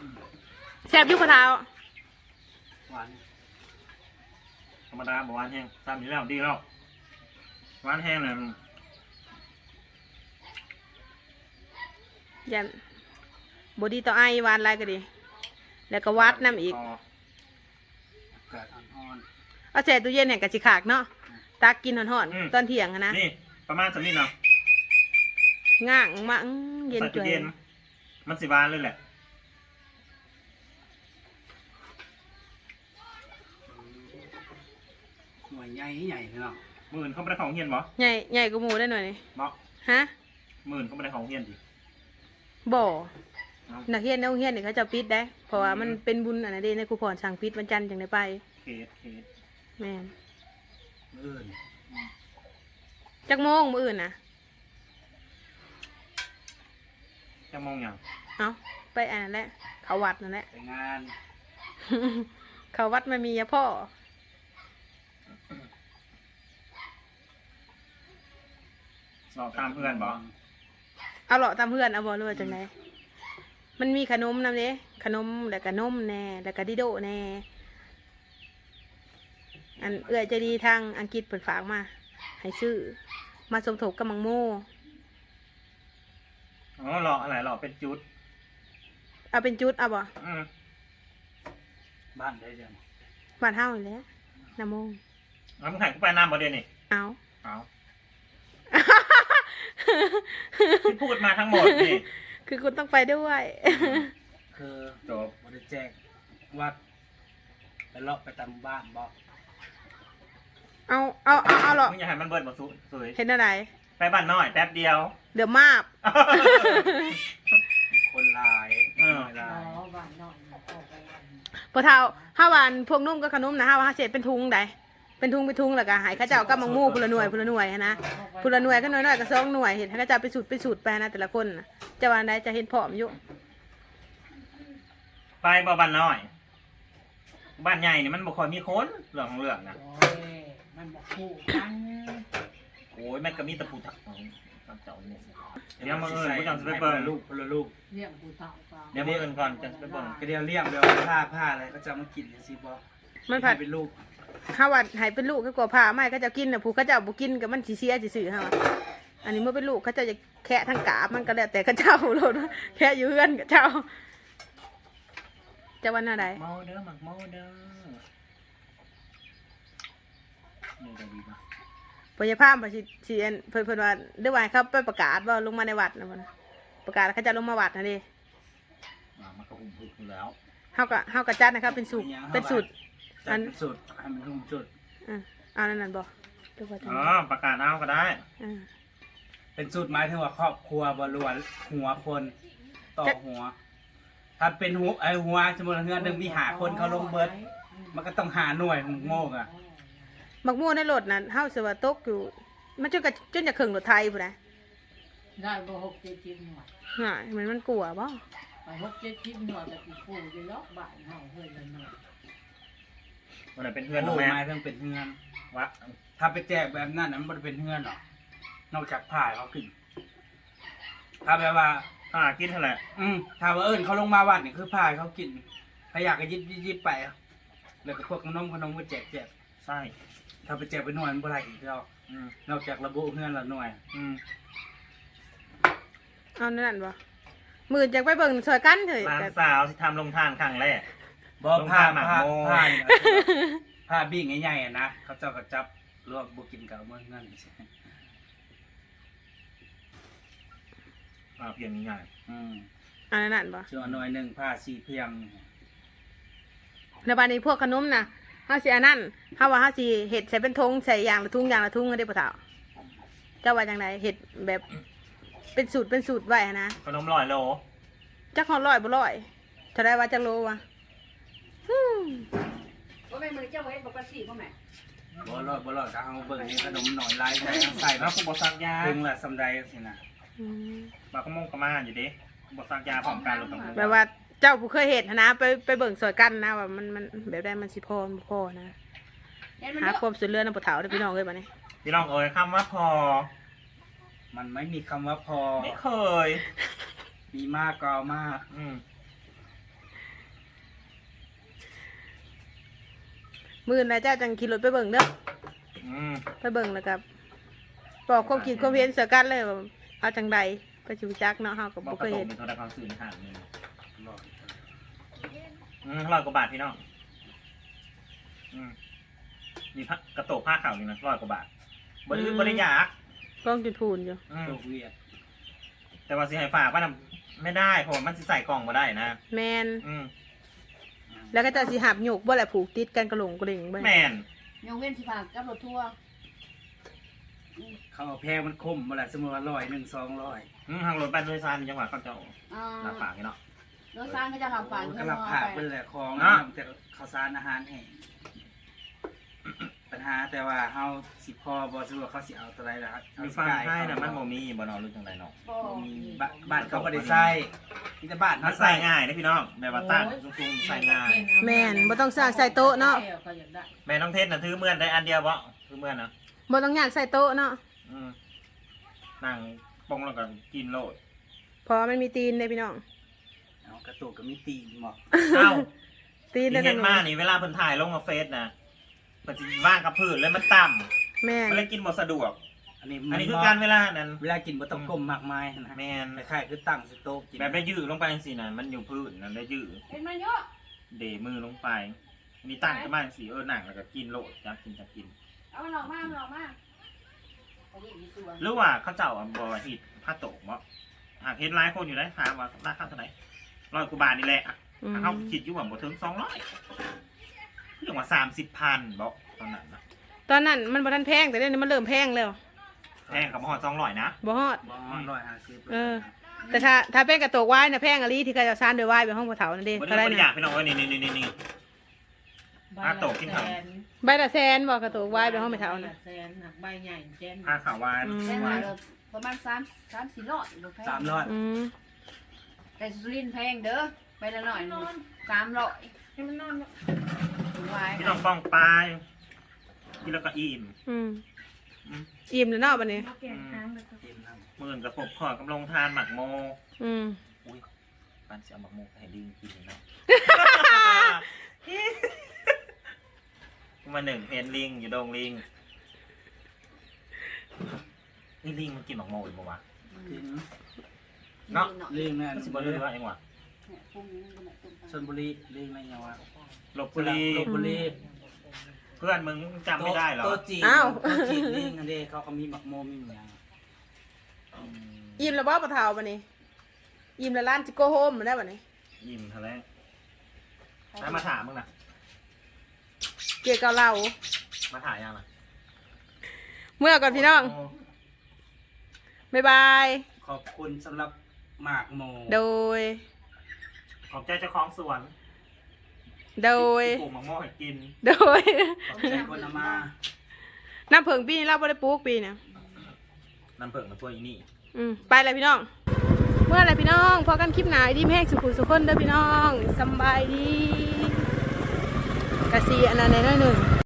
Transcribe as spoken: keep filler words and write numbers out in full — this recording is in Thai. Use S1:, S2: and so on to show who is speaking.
S1: แซ่บยุคเท้า
S2: หวาน
S3: ธรรมดาบอกหวานแห้งตามนี้แล้วดีแล้วหวานแห้งเนี่ย
S1: ยันบดีต่อไอหวานอะไรก็ดีแล้วก็วัดน้ำอีก
S2: อากาศอ่อน
S1: เอาแช่ตู้เย็นแห่งกะจิขากเนาะตักกินห่อนๆตอนเที่ยงนะ
S3: นี่ประมาณสักนิดเนาะ
S1: ง่างมาเย็น
S3: ใส่
S1: จุ
S3: ตู้
S1: ย
S3: เย็นมันสิหวานเลยแหละ
S2: ๆหน่วยใหญ่ใหญ่เนาะ
S3: หมื่นเขาไม่ได้ของเฮียนบ่
S1: ใหญ่ใหญ่กว่าหมูได้หน่อยนี่
S3: บ่
S1: ฮะ
S3: หมื่นเขาไม่ได้ของเฮียนดิ
S1: บ่นักเรียนนักเรียนนี่เขาจะปิดได้เพราะว่ามันเป็นบุญอันนั้นเด้ในครูพรสั่งปิดวันจันทร์จังได้ไป
S3: เคสเคส
S1: แม่น
S2: มื้ออื่น
S1: จักโมงมื้ออื่นน่ะ
S3: จะมองอย่าง
S1: เอาไปอันนั้นแหละเขาวัดนั่นแหละ
S2: ไปงาน
S1: เขาวัดมันมียาพ่อ
S3: สอบตามเพื่อนบ่
S1: เอาเหลาะตามเพื่อนเอาบอรู้ว่าจังไงมันมีขนมนำเด้ขนมแล้วก็นมแน่แล้วก็ดิโดแน่อันเอื้อจะดีทางอังกฤษเปิดฝากมาให้ซื้อมาสมทบกับมังโม
S3: อ๋อหล่ออะไรหล่อเป็นจุด
S1: เอาเป็นจุดเอาบ่
S3: อืม
S2: บ้านได้จัง
S1: บ้านเฮานี่แหละน้ำโมง
S3: แล้วมึงถ่ายกูไปน้ำบ่เดี๋ยวนี้
S1: เอา
S3: เอาที่พูดมาทั้งหมดนี่
S1: คือคุณต้องไปด้วย
S2: คือจบบริแจกวัดไปเลาะไปตามบ้านบ่
S1: เอาเอาเอาเอาเหรอ
S3: มึงอย่าให้มันเบิดบ่สุสวย
S1: เห็นอะไร
S3: ไปบ้านน้อยแป๊บเดียว
S1: เดี๋ยวมาบ
S2: คนหลาย
S3: เออ
S2: หลาย
S1: พอเท่าห้าวันพวกนุ่มก็ขนมนะห้าวันห้าเศษเป็นทุงได้เป็นทุงเป็นทุงแล้วก็หายข้าเจ้าก็มังมูพลหน่วยพลหน่วยนะพลหน่วยก็หน่วยน้อยก็สองหน่วยเห็นข้าเจ้าไปสูตรไปสูตรไปนะแต่ละคนนะจะวันใดจะเห็นผอมอยู่
S3: ไปบ่บ้านน้อย บ้านใหญ่นี่มันบ่ค่อยมีคนเรื่องของเรื่องนะ
S4: โอ้ยมันบอกคู่กัน
S3: โอ้ยแม่งก็มีตะปูถักของเจ้าเนี่ยเดี๋ยวมาเอิญกูจังจะไปเบิ่ง
S2: ลูกคนละลูก
S4: เรียกกูเต่าเปล่า
S3: เดี๋ยวมาเอิญก่อนจังจะไปเบิ่ง
S2: ก็เดียวเลี้ยงเดี๋ยวผ้าผ้าอะไรก็จะมากินสิบ่
S1: มันผัด
S2: เป็นลูก
S1: ห้าวันหายเป็นลูกก็กลัวผ้าไม่ก็จะกินนะผู้ข้าเจ้าบุกินกับมันสีเสียสีสื่อฮะอันนี้เมื่อเป็นลูกข้าเจ้าจะแคะทั้งกาบมันก็แล้วแต่ข้าเจ้าโลดแค่อยู่เพื่อนข้าเจ้าจะวันอะไร
S3: เมาเด้อหมักเมาเด้อนี่จะดีป่ะ
S1: พยาพามไปสิเอ็นเพิ่นเพิ่นว่าเด้วยวายเขาไปประกาศว่าลงมาในวัดนะมันประกาศเขาจะลงมาวัดนะดิ
S3: อ่ามันก็หุ่มพึกอยู่แล้ว
S1: เฮาก็เฮาก็จัดนะครับเป็นสูตรเป็นสูตร
S2: จัดเป็นสูตรให้มันรุ่มจุด
S1: อ่าเอานั่นนั่นบ่ดูว่าจัง
S3: อ๋อประกาศเอาก็ได้
S1: อ่า
S2: เป็นสูตรหมายถึงว่าครอบครัวบรวนหัวคนต่อหัว ถ้าเป็นหัวไอหัวสมมติเงินหนึ่งมีหาคนเขาลงเบิร์ดมันก็ต้องหาหน่วยของโง่อะ
S1: มักม่วงในรถนั้นเฮาสิว่าตกอยู่มันจนกับจนจะครึ่งรถไทยพุ่นน่ะ
S4: ได้บ่หกเจ็ดชิ้นหน่วย
S1: หามันมันกลัวบ่
S4: ไปหกเจ็ดชิ้นหน่วยแต่กูปูจะล็อกบ้านเฮาเฮ้ยละหน่วย
S3: วันไหนเป็นเพื่อน
S2: โอ้
S3: แม่
S2: หมายถึงเป็นเงิน
S3: วะ
S2: ถ้าไปแจกแบบนั้นน่ะมันบ่ได้เป็นเงินหรอกนอกจากผ่ายเขาขึ้นถ้าแบบว่า
S3: อ่ากินเท่าไหร่
S2: อืมถ้าว่าเอิญเขาลงมาวัดนี่คือผ่ายเขากินถ้าอยากก็ยิบยิบยิบไปแล้วก็พวกขนมขนมก็แจกแจก
S3: ใช่
S2: ถ้าไปแจกไปหน่วยมันบ่ได้อีกแล้ว
S3: อืม
S2: นอกจากระบุเงินละหน่วย
S3: อืม
S1: เอานั่นนั่นบ่มื้อจักไปเบิ่งซอยกันเถอะ
S3: ร้านสาวที่ทำลงทานครั้งแรก
S2: บ่
S3: ลง
S2: ผ้า
S3: ผ้าหมาก
S2: ผ้า
S3: โม
S2: ผ้านี่นะผ้าบิ้งใหญ่ๆอะนะเขาเจ้าก็จับลวกบ่กินกับเอามื่อเงิน
S3: อ่าเพียงง่าย
S2: อืม
S1: อันนั้นนั่นบ่
S2: ส่วนหน่วยหนึ่งผ้าสีเพียง
S1: แล้วบัดนี้พวกขนมน่ะเฮาสิอันนั้นเฮาว่าเฮาสิเฮ็ดใส่เป็นธงใส่อย่างละถุงอย่างละถุงได้บ่เฒ่าเจ้าว่าจังไดเฮ็ดแบบเป็นสูตรเป็นสูตรไว้นะ
S3: ขนมลอยโล
S1: จักฮอดร้อยบ่ร้อยเท่าได้ว่าจักโลวะฮึ่ม
S4: ว่าแม่มือเจ้าเฮ็ดบ่กระสีบ่แม่
S2: บ่รอดบ่รอดก็เอาเบิ่งนี่ขนมหน่อยลายใส่ใส่
S3: แล้
S2: แล้ว ว
S3: กูบอกสักยา
S2: ถึงละสำใดสินะ
S1: อืม
S3: บากก็มงกระมาอยู่ดิกูบอกสักยาพร้อมกันหรือเปล่า
S1: แบบว่าเจ้าผู้เคยเฮ็ดนะไปไปเบิ่งซอยกันนะว่ามันมันแบบใดมันสิพอมันบ่พอนะ
S4: เฮ็ดมัน
S1: หา
S4: เด้อ
S1: ความสุดเรือนำบ่เฒ่าเด้อพี่น้องเอ้ยบัดนี้
S3: พี่น้องเอ๋ยคำว่าพอ
S2: มันไม่มีคำว่าพอ
S3: ไม่เคย
S2: มีมากก็เอามาก
S3: อืม
S1: มื้อนะเจ้าจังขี่รถไปเบิ่งเด้อ
S3: อืม
S1: ไปเบิ่งแล้วก็บอกความคิดความเห็นเสือกันเลยว่าเอาจังใดก็สิรู้จักเนาะเฮาก็
S3: บอ
S1: บ่
S3: กก
S1: เค
S3: ระ
S1: ย
S3: ต
S1: เห็
S3: ก
S1: น
S3: เป็นโทรศัพท์สื่อในห่างนี่
S2: รอด
S3: อืมร้อยกว่าบาทพี่น้องอืมมีผ้ากระโตกผ้าขาวนี่นะร้อยกว่าบาทบริบริยาก
S1: กล้องจุดพูนอยู่
S3: อืม
S2: ตกเวียด
S3: แต่ว่าสิให้ฝากว่าน่ะไม่ได้เพราะว่ามันสิใส่กล่องมาได้นะ
S1: แมน
S3: อืม
S1: แล้วก็เจะสิหับหยกบ่แหละผูกติดกันกระหลงกระดิ่งเบิ่ง
S3: แมน
S4: ยกเว้นสิฝากกับรถทัวร์
S2: เขาเอาแพงมันคมมาละสมมติว่าร้อยหนึ่งสองร้อย
S3: อืมทางรถบัสโดยสารจังหวัดเขาเจ้า
S4: อ่า
S3: รับฝากนี่เนาะ
S4: รถซานก็จะรับฝาก
S2: ก็รับผ่าเป็นแหละของ
S3: เนาะ
S2: แต่ข้าวสารอาหารแห้งปัญหาแต่ว่าเฮาสิพอบ่สะดวกเขาสิเอาตัวใดล่ะครับ
S3: มีฟังให้นะมันบ่มีบ่เนอนหรือจังไดเนาะ
S4: บ่
S2: มี
S4: มี
S2: บ้านบ้านเขาบ่ได้ใส่มีแต่บ้าน
S3: มั
S2: เฮาน
S3: ใส่
S2: ใส่
S3: ง่ายนะพี่น้องแบบว่าตั้งสูงๆใส่ง่าย
S1: แมนบ่ต้องสร้างใส่โต๊ะเนาะ
S4: ก็อยากได้
S3: แม่น้องเทศน่ะถือเมื่อนได้อันเดียวบ่ถือเมื่อนนะ
S1: บ่ต้องยากใส่โต๊ะเนาะ
S3: อืมนั่งปองแล้วก็กินโลด
S1: เพราะว่ามันมีตีนเด้พี่น้อง
S2: เอากระตุกก็มีตีนหมอก
S3: เอ้า
S1: ตีน
S3: ที่
S1: ได้
S3: เห็
S1: ทั้
S3: น
S1: ง
S3: มา
S1: นั้น
S3: นี่เวลาเพิ่นถ่ายลงมาเฟซนะเพิ่นสิว่างกับพื้นเลยมันต่ำ
S1: แม่น
S3: มันเลยกินบ่สะดวก
S2: อันนี้
S3: อันนี้คือการเวลานั้น
S2: เวลากินบ่ต้องก้มมากมายนะ
S3: แม่น
S2: คล้ายๆคือตั้งสโต๊ะกิน
S3: แบบได้ยืดลงไปจังซี่น่ะมันอยู่พื้นนั่นได้ยืด
S4: เห็นมันเยอะ
S3: เดมือลงไปมีตั้งขึ้นมาจังซี่เออนั่งแล้วก็กินโลดจับกินจับกิน
S4: เอามันออกมามันออกมาไปเรียกอีสวน
S3: หรือว่าเขาเจ้าอ่ะบ่ฮิตผ้าโตกบ่หากเห็นหลายคนอยู่ได้ถามว่าราคาเท่าไหร่ร้อยกว่าบาทนี่แหละ
S1: อืม
S3: เขาคิดอยู่ว่าบ่ถึงสองร้อยเรื่องว่าสามสิบพันบอกตอนนั้นนะ
S1: ตอนนั้นมันบ่ทันแพงแต่เดี๋ยวนี้มันเริ่มแพงแล้ว
S3: แพงกับมหอดสองร้อยนะ
S1: บ่ฮอด
S2: บ่ร้อยห้าสิบ
S1: เออ แต่ถ้าถ้าเป็นกระโตกวายน่ะแพงอะลีที่เขาจะซานด้วยวายไปห้องบ่เฒ่านั่นเด้
S3: วัน
S1: เท่า
S3: นี้
S1: ไหร่
S3: บริจาค
S1: น่ะ
S3: พี่น้องเอ้ยนี่นี่นี่นี่ อ่ะตกขึ้นเขา
S1: ใบละแสนบ่กระโตกวายไปห้องบ่เฒ่า
S4: ใบ
S1: น่ะ
S4: ละแสนหนักใบใหญ่แสน
S3: ผ้าขาววาน
S1: อืม
S4: แสนหาเราประมาณสามสามสี่ร้อยบ่แพง
S2: สามร้อย
S1: อืม
S4: แต่สุรินทร์แพงเด้อใบละหน่อยสามร้อยให้มันนอนวาย
S3: พี่น้องป้องปลายกินแล้วก็อิ่ม
S1: อืม
S3: อืม
S1: อิ่มแล้วเนาะบัดนี้
S2: กินน้ำ
S3: มื่นกับผมขอกำลังทานหมักโม
S1: อืม
S3: อุ้ยปันเสียหมักโมให้ลิงกินเลยนะ มาหนึ่งเห็นลิงอยู่ดงลิงนี่ลิงมันกินหมักโมหรือเปล่าวะ
S2: กิน
S3: เนาะ
S2: เรื่องนั่น
S3: มันสิบเรือเองวะ
S2: ชลบุรีเรื่องอะไรอย่างวะ
S3: ลบบุรี
S2: ลบบุรี
S3: เพื่อนมึงจำไม่ได้เหรอ
S2: โต๊ะจีนโต๊ะจีนเรื่องอันเด้เขาก็มีหมักโมมีอย่าง
S3: อืม
S1: อิ่มแล้วบ่ปะเฒ่าบัดนี้อิ่มแล้วร้านจิโกโฮมได้บัดนี้
S3: ยิ้มทะเลแล้วมาถามมึงนะ
S1: เกี่ยวกับเรา
S3: มาถ่ายยังนะ
S1: เมื่อก่อนพี่น้อง บ๊ายบาย
S2: ขอบคุณสำหรับหมากโม
S1: โดย
S3: ขอบใจเจ้าของสวน
S1: โดย
S3: ปลูกมะม่วงให้กิน
S1: โดย
S2: ขอบใจคนเอามา
S1: น้ำเผิงปีนี้เราบ่ได้ปลูกปีเนี่ย
S3: น้ำเผิงมาตัวอีนี่
S1: อืมไปเลยพี่น้อง เมื่อไรพี่น้องพอกันคลิปหนาดีแม่สุขุสุขคนเด้อพี่น้องสำบายดีกะซีอันนั้นในน้อยหนึ่ง